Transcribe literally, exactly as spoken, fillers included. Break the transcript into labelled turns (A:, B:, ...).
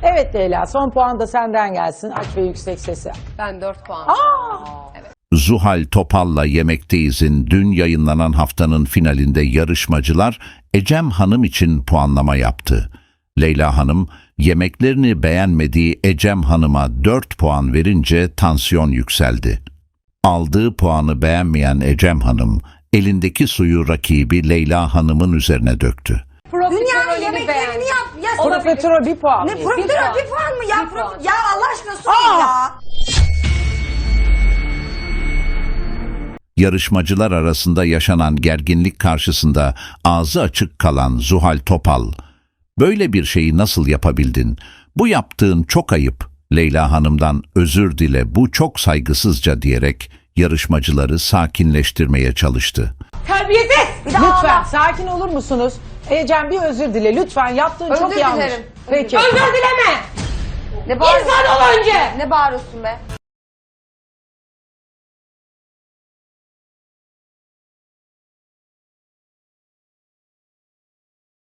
A: Evet Leyla, son puan da senden gelsin. Aç ve yüksek sesi.
B: Ben dört puan.
A: Aa!
B: Evet.
C: Zuhal Topal'la Yemekteyiz'in dün yayınlanan haftanın finalinde yarışmacılar Ecem Hanım için puanlama yaptı. Leyla Hanım, yemeklerini beğenmediği Ecem Hanım'a dört puan verince tansiyon yükseldi. Aldığı puanı beğenmeyen Ecem Hanım, elindeki suyu rakibi Leyla Hanım'ın üzerine döktü.
D: Dünyanın
B: Profiterolünü
D: yemeklerini
B: beğendim.
D: yap. Ya,
A: Profiterol bir puan.
D: ne
A: mı?
D: profiterol
B: puan.
D: bir puan mı? Ya,
B: Bir
D: prof-
B: puan.
D: ya Allah aşkına sus
A: Aa!
D: ya.
C: Yarışmacılar arasında yaşanan gerginlik karşısında ağzı açık kalan Zuhal Topal, "Böyle bir şeyi nasıl yapabildin? Bu yaptığın çok ayıp. Leyla Hanım'dan özür dile, bu çok saygısızca" diyerek yarışmacıları sakinleştirmeye çalıştı.
B: Terbiyesiz.
D: Bir de
A: Lütfen
D: ağla.
A: sakin olur musunuz? Ecem bir özür dile. Lütfen yaptığın
B: Özür
A: çok yanlış.
B: dilerim.
A: Peki.
B: Özür dileme.
D: Ne bağırıyorsun?
B: İnsan ol önce.
D: Ne bağırıyorsun be?